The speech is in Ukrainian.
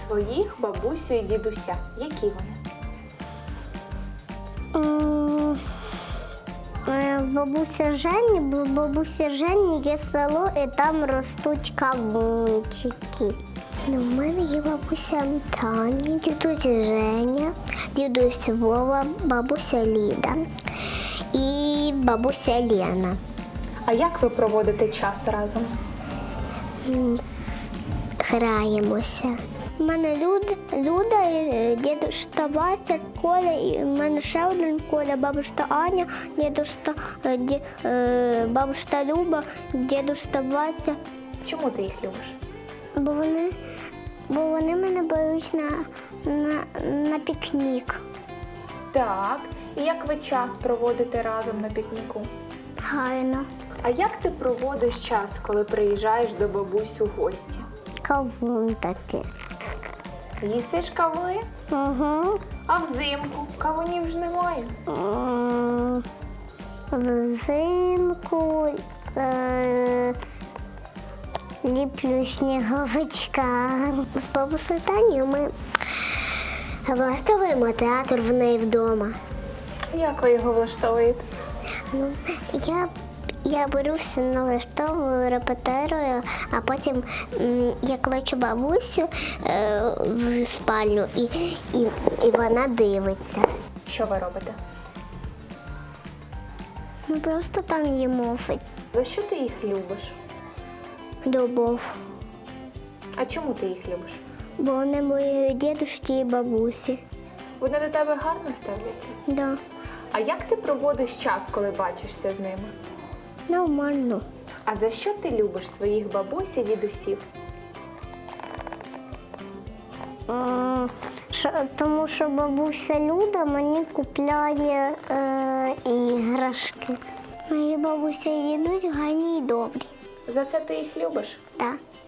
своїх бабусю і дідуся? Які вони? Бабуся Жені є село, і там ростуть кавунчики. У мене є бабуся Таня, дідусь Женя, дідусь Вова, бабуся Ліда і бабуся Лена. А як ви проводите час разом? Граємося. У мене Люда, дідусь Вася, Коля, і в мене ще один Коля, бабуся Аня, бабуся Люба, дідусь Вася. Чому ти їх любиш? Бо вони мене беруть на пікнік. Так. І як ви час проводите разом на пікніку? Гарно. А як ти проводиш час, коли приїжджаєш до бабусь у гості? Кавун такий. Їсиш кавуни? Угу. А взимку кавунів ж немає. Взимку ліплю сніговичка. З бабусею Танею ми влаштовуємо театр в неї вдома. Як ви його влаштовуєте? Ну, я беру все, налаштовую, репетирую, а потім я кличу бабусю в спальню і вона дивиться. Що ви робите? Ми просто там їмо. За що ти їх любиш? Любов. А чому ти їх любиш? Бо вони мої дідусі і бабусі. Вони до тебе гарно ставляться? Да. А як ти проводиш час, коли бачишся з ними? Нормально. А за що ти любиш своїх бабусь і дідусів? Тому що бабуся Люда мені купляє іграшки. Мої бабуся і дідусь гарні і добрі. За це ти їх любиш? Так.